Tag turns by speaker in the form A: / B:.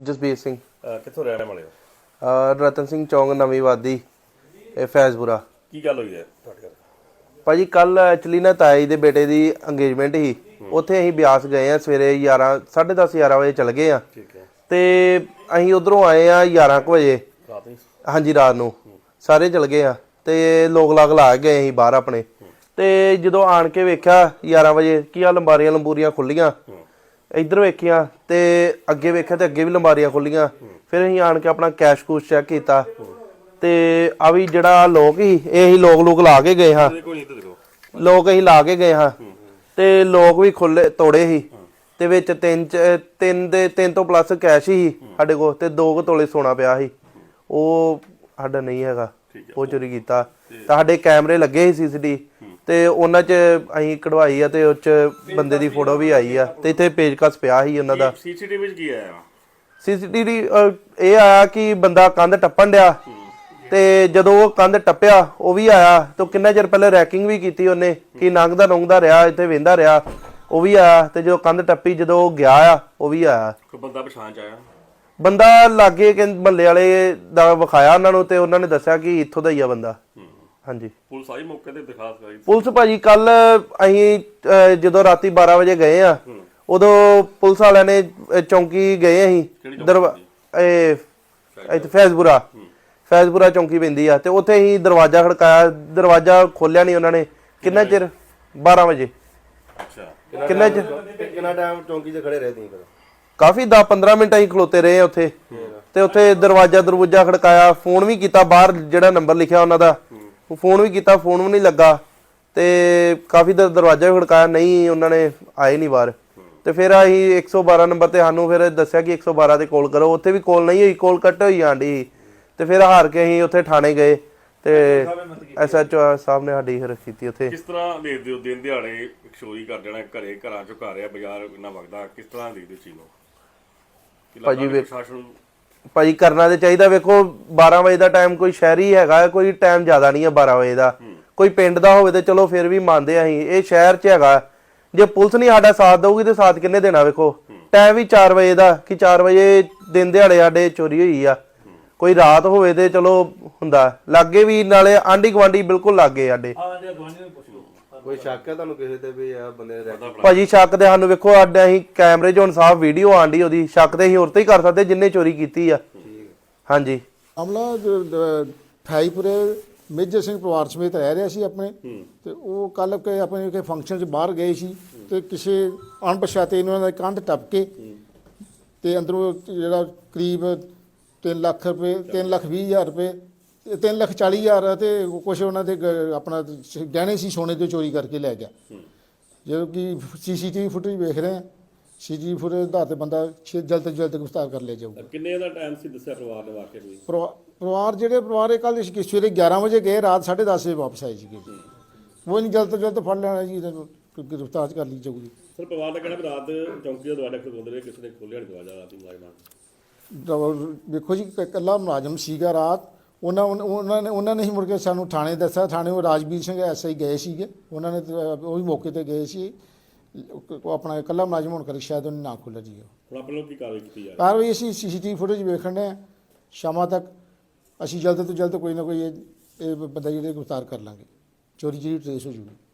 A: ਜਸਬੀਰ ਸਿੰਘ।
B: ਕਿੱਥੋਂ ਰਹਿਣ ਵਾਲੇ ਹੋ?
A: ਰਤਨ ਸਿੰਘ ਚੌਂਕ ਨਵੀਂ ਵਾਦੀ, ਇਹ ਫੈਜ਼ਪੁਰਾ।
B: ਕੀ ਗੱਲ ਹੋਈ ਹੈ ਤੁਹਾਡੇ ਘਰ?
A: ਭਾਜੀ ਕੱਲ ਐਕਚੁਅਲੀ ਨਾ ਤਾਈ ਦੇ ਬੇਟੇ ਦੀ ਅੰਗੇਜਮੈਂਟ ਸੀ, ਉੱਥੇ ਅਸੀਂ ਬਿਆਸ ਗਏ ਆ। ਸਵੇਰੇ 10:30 11 ਵਜੇ ਚਲ ਗਏ ਆ।
B: ਠੀਕ ਹੈ।
A: ਤੇ ਅਸੀਂ ਉਧਰੋਂ ਆਏ ਆ 11 ਵਜੇ।
B: ਰਾਤ ਨੂੰ?
A: ਹਾਂਜੀ, ਰਾਤ ਨੂੰ ਸਾਰੇ ਚਲ ਗਏ ਆ ਤੇ ਲੋਕ ਲਾਗ ਲਾ ਗਏ ਅਸੀਂ ਬਾਹਰ ਆਪਣੇ। ਤੇ ਜਦੋਂ ਆਣ ਕੇ ਵੇਖਿਆ 11 ਵਜੇ ਕੀ ਆ, ਲੰਬਾਰੀਆਂ ਖੁੱਲੀਆਂ। ਇੱਧਰ ਵੇਖੀਆਂ ਤੇ ਅੱਗੇ ਵੇਖਿਆ ਤੇ ਅੱਗੇ ਵੀ ਲੰਬਾਰੀਆਂ ਖੁੱਲੀਆਂ। ਫਿਰ ਅਸੀਂ ਆਣ ਕੇ ਆਪਣਾ ਕੈਸ਼ ਕੂਸ਼ ਚੈੱਕ ਕੀਤਾ ਤੇ ਆ ਵੀ ਜਿਹੜਾ ਲੋਕ ਸੀ ਇਹ ਹੀ ਲੋਕ ਲਾ ਕੇ ਗਏ ਹਾਂ। ਲੋਕ ਅਸੀਂ ਲਾ ਕੇ ਗਏ ਹਾਂ ਤੇ ਲੋਕ ਵੀ ਖੁੱਲੇ ਤੋੜੇ ਸੀ ਤੇ ਵਿੱਚ ਤਿੰਨ ਤੋਂ ਪਲੱਸ ਕੈਸ਼ ਹੀ ਸਾਡੇ ਕੋਲ ਤੇ 2 ਤੋਲੇ ਸੋਨਾ ਪਿਆ ਸੀ। ਉਹ ਸਾਡਾ ਨਹੀਂ ਹੈਗਾ, ਉਹ ਚੋਰੀ ਕੀਤਾ। ਤਾਂ ਸਾਡੇ ਕੈਮਰੇ ਲੱਗੇ ਸੀ CCTV ਤੇ ਉਹਨਾਂ 'ਚ ਅਸੀਂ ਕਢਵਾਈ ਆ ਤੇ ਉਹ 'ਚ ਬੰਦੇ ਦੀ ਫੋਟੋ ਵੀ ਆਈ ਆ ਤੇ ਇੱਥੇ ਪੇਜਕਸ ਪਿਆ ਸੀ ਉਹਨਾਂ ਦਾ।
B: CCTV ਵਿੱਚ ਕੀ ਆਇਆ?
A: CCTV ਇਹ ਆਇਆ ਕਿ ਬੰਦਾ ਕੰਧ ਟੱਪਣ ਡਿਆ ਤੇ ਜਦੋਂ ਉਹ ਕੰਧ ਟੱਪਿਆ ਉਹ ਵੀ ਆਇਆ ਤੇ ਕਿੰਨਾ ਚਿਰ ਪਹਿਲੇ ਰੈਕਿੰਗ ਵੀ ਕੀਤੀ ਉਹਨੇ ਕਿ ਨੰਗਦਾ ਰਿਹਾ, ਇੱਥੇ ਵੇਂਦਾ ਰਿਹਾ, ਉਹ ਵੀ ਆਇਆ। ਤੇ ਜਦੋਂ ਕੰਧ ਟੱਪੀ ਜਦੋਂ ਉਹ ਗਿਆ ਆ ਉਹ ਵੀ ਆਇਆ।
B: ਕੋਈ ਬੰਦਾ ਪਛਾਣ ਚ ਆਇਆ? ਬੰਦਾ
A: ਲਾਗੇ ਮਹੱਲੇ ਵਾਲੇ ਦਾ ਵਿਖਾਇਆ ਉਹਨਾਂ ਨੂੰ ਤੇ ਉਹਨਾਂ ਨੇ ਦੱਸਿਆ ਕਿ ਇੱਥੋਂ ਦਾ ਹੀ ਆ ਬੰਦਾ। ਹਾਂਜੀ। ਪੁਲਿਸ ਆਈ ਮੌਕੇ ਤੇ? ਦਿਖਾਸ ਕਰਾਈ ਪੁਲਿਸ ਭਾਜੀ। ਕੱਲ ਅਸੀਂ ਜਦੋਂ ਰਾਤੀ 12 ਵਜੇ ਗਏ ਆ ਉਦੋਂ ਪੁਲਿਸ ਵਾਲਿਆਂ ਨੇ ਚੌਂਕੀ ਗਏ ਅਸੀਂ ਇੱਥੇ ਫੈਜ਼ਪੁਰਾ ਚੌਂਕੀ ਪੈਂਦੀ ਆ ਤੇ ਉੱਥੇ ਅਸੀਂ ਦਰਵਾਜ਼ਾ ਖੜਕਾਇਆ, ਦਰਵਾਜ਼ਾ ਖੋਲਿਆ ਨਹੀਂ ਉਹਨਾਂ ਨੇ। ਕਿੰਨਾ ਚਿਰ? 12 ਵਜੇ।
B: ਅੱਛਾ।
A: ਕਿੰਨਾ
C: ਟਾਈਮ ਚੌਂਕੀ 'ਚ ਖੜੇ ਰਹੇ ਤੁਸੀਂ?
A: ਕਾਫੀ 10-15 ਮਿੰਟ ਅਸੀਂ ਖਲੋਤੇ ਰਹੇ ਉੱਥੇ ਤੇ ਉੱਥੇ ਦਰਵਾਜ਼ਾ ਖੜਕਾਇਆ, ਫੋਨ ਵੀ ਕੀਤਾ ਬਾਹਰ ਜਿਹੜਾ ਨੰਬਰ ਲਿਖਿਆ ਉਹਨਾਂ ਦਾ, ਫੋਨ ਵੀ ਕੀਤਾ, ਫੋਨ ਵੀ ਨਹੀਂ ਲੱਗਾ ਤੇ ਕਾਫੀ ਦਰਵਾਜ਼ਾ ਵੀ ਖੜਕਾਇਆ, ਨਹੀਂ ਉਹਨਾਂ ਨੇ ਆਏ ਨਹੀਂ ਬਾਹਰ। ਤੇ ਫਿਰ ਅਸੀਂ 112 ਨੰਬਰ ਤੇ ਸਾਨੂੰ ਫਿਰ ਦੱਸਿਆ ਕਿ 112 ਤੇ ਕਾਲ ਕਰੋ। ਉੱਥੇ ਵੀ ਕਾਲ ਨਹੀਂ ਹੋਈ, ਕਾਲ ਕੱਟ ਹੋਈ ਆਂਡੀ। ਤੇ ਫਿਰ ਹਾਰ ਕੇ ਅਸੀਂ ਉੱਥੇ ਥਾਣੇ ਗਏ ਤੇ SHO ਸਾਹਿਬ ਨੇ ਸਾਡੀ ਹਿਰ ਕੀਤੀ ਉੱਥੇ।
B: ਕਿਸ ਤਰ੍ਹਾਂ ਦੇਖਦੇ ਹੋ ਦਿਨ ਦਿਹਾੜੇ ਚੋਰੀ ਕਰ ਜਾਣਾ, ਘਰਾਂ ਚੋਂ ਘਰ ਆ, ਬਾਜ਼ਾਰ ਇੰਨਾ ਵਗਦਾ, ਕਿਸ ਤਰ੍ਹਾਂ ਦੇਖਦੇ ਹੋ ਚੀਜ਼ ਨੂੰ?
A: ਭਾਜੀ ਕਰਨਾ ਤੇ ਚਾਹੀਦਾ। ਵੇਖੋ 12 ਵਜੇ ਦਾ ਟਾਈਮ ਕੋਈ ਸ਼ਹਿਰੀ ਹੈਗਾ, ਕੋਈ ਟਾਈਮ ਜ਼ਿਆਦਾ ਨਹੀਂ ਹੈ 12 ਵਜੇ ਦਾ। ਕੋਈ ਪਿੰਡ ਦਾ ਹੋਵੇ ਤੇ ਚਲੋ ਫਿਰ ਵੀ ਮੰਨਦੇ ਅਸੀਂ, ਇਹ ਸ਼ਹਿਰ 'ਚ ਹੈਗਾ। ਜੇ ਪੁਲਿਸ ਨਹੀਂ ਸਾਡਾ ਸਾਥ ਦਊਗੀ ਤੇ ਸਾਥ ਕਿੰਨੇ ਦੇਣਾ? ਵੇਖੋ ਟਾਈਮ ਵੀ 4 ਵਜੇ ਦਾ ਕਿ 4 ਵਜੇ ਦਿਨ ਦਿਹਾੜੇ ਸਾਡੇ ਚੋਰੀ ਹੋਈ ਆ। ਕੋਈ ਰਾਤ ਹੋਵੇ ਤੇ ਚਲੋ ਹੁੰਦਾ, ਲਾਗੇ ਵੀ ਨਾਲੇ ਆਂਢੀ ਗੁਆਂਢੀ ਬਿਲਕੁਲ ਲਾਗੇ ਸਾਡੇ।
C: ਕੋਈ ਸ਼ੱਕ ਹੈ ਤੁਹਾਨੂੰ ਕਿਸੇ ਤੇ ਵੀ ਆ ਬੰਦੇ ਨੇ?
A: ਭਾਜੀ ਸ਼ੱਕ ਤੇ ਸਾਨੂੰ ਵੇਖੋ ਸਾਡੇ ਅਸੀਂ ਕੈਮਰੇ 'ਚ ਹੁਣ ਸਾਫ਼ ਵੀਡੀਓ ਆਂਡੀ ਉਹਦੀ, ਸ਼ੱਕ ਤੇ ਅਸੀਂ ਹੋਰ ਤੇ ਹੀ ਕਰ ਸਕਦੇ ਜਿੰਨੇ ਚੋਰੀ ਕੀਤੀ ਆ। ਹਾਂਜੀ।
D: ਮਾਮਲਾ ਫੈਜ਼ਪੁਰੇ ਮੇਜਰ ਸਿੰਘ ਪਰਿਵਾਰ ਸਮੇਤ ਰਹਿ ਰਿਹਾ ਸੀ ਆਪਣੇ ਤੇ ਉਹ ਕੱਲ ਆਪਣੇ ਕਿਸੇ ਫੰਕਸ਼ਨ 'ਚ ਬਾਹਰ ਗਏ ਸੀ ਤੇ ਕਿਸੇ ਅਣਪਛਾਤੇ ਇਹਨਾਂ ਦਾ ਕੰਧ ਟੱਪ ਕੇ ਤੇ ਅੰਦਰੋਂ ਜਿਹੜਾ ਕਰੀਬ 3 ਲੱਖ ਰੁਪਏ, 3,20,000 ਰੁਪਏ, 3,40,000 ਤੇ ਕੁਛ ਉਹਨਾਂ ਦੇ ਆਪਣਾ ਗਹਿਣੇ ਸੀ ਸੋਨੇ ਦੇ ਚੋਰੀ ਕਰਕੇ ਲੈ ਗਿਆ। ਜਦੋਂ ਕਿ CCTV ਫੁਟੇਜ ਵੇਖ ਰਹੇ ਹਾਂ, CCTV ਫੁਟੇਜ ਦੇ ਆਧਾਰ ਤੇ ਬੰਦਾ ਜਲਦ ਤੋਂ ਜਲਦ ਗ੍ਰਿਫਤਾਰ ਕਰ ਲਿਆ ਜਾਊਗਾ।
B: ਕਿੰਨੇ ਦਾ ਟਾਈਮ ਸੀ ਦੱਸਿਆ ਪਰਿਵਾਰ ਨੇ ਵਾਕਿਆ ਕੋਈ?
D: ਪਰਿਵਾਰ ਇਹ ਕੱਲ ਸਵੇਰੇ 11 ਵਜੇ ਗਏ, ਰਾਤ 10:30 ਵਜੇ ਵਾਪਸ ਆਏ ਸੀਗੇ। ਉਹ ਨਹੀਂ ਜਲਦ ਤੋਂ ਜਲਦ ਫੜ ਲੈਣਾ ਜੀ, ਗ੍ਰਿਫਤਾਰ ਕਰ ਲਈ ਜਾਊਗੀ।
B: ਸਰ ਪਰਿਵਾਰ ਦਾ ਕਹਿਣਾ ਵੀ ਰਾਤ ਚੌਂਕੀ ਦਾ ਦਰਵਾਜ਼ਾ ਖੋਲ੍ਹਦੇ ਰਹੇ, ਕਿਸੇ ਨੇ ਖੋਲ੍ਹਿਆ ਨਹੀਂ ਦਰਵਾਜ਼ਾ ਰਾਤੀ ਮੁਲਾਜ਼ਮਾਂ?
D: ਵੇਖੋ ਜੀ ਇਕੱਲਾ ਮੁਲਾਜ਼ਮ ਸੀਗਾ ਰਾਤ, ਉਹਨਾਂ ਨੇ ਹੀ ਮੁੜ ਕੇ ਸਾਨੂੰ ਥਾਣੇ ਦੱਸਿਆ। ਥਾਣੇ ਉਹ ਰਾਜਵੀਰ ਸਿੰਘ SI ਗਏ ਸੀਗੇ, ਉਹਨਾਂ ਨੇ ਉਹ ਵੀ ਮੌਕੇ ਤੇ ਗਏ ਸੀ। ਉਹ ਆਪਣਾ ਇਕੱਲਾ ਮੁਲਾਜ਼ਮ ਹੋਣ ਕਰਕੇ ਸ਼ਾਇਦ ਉਹਨੇ ਨਾ ਖੋਲ੍ਹਿਆ ਜੀ।
B: ਹੁਣ ਆਪਾਂ ਲੋਕ ਕੀ ਕਾਰਵਾਈ ਕੀਤੀ ਜਾ ਰਹੀ?
D: ਕਾਰਵਾਈ ਅਸੀਂ CCTV ਫੁਟੇਜ ਵੇਖਣ ਦੇ ਹਾਂ, ਸ਼ਾਮਾਂ ਤੱਕ ਅਸੀਂ ਜਲਦ ਤੋਂ ਜਲਦ ਕੋਈ ਨਾ ਕੋਈ ਇਹ ਬੰਦਾ ਜਿਹੜੇ ਗ੍ਰਿਫਤਾਰ ਕਰ ਲਾਂਗੇ, ਚੋਰੀ ਜਿਹੜੀ ਟਰੇਸ ਹੋ ਜੂਗੀ।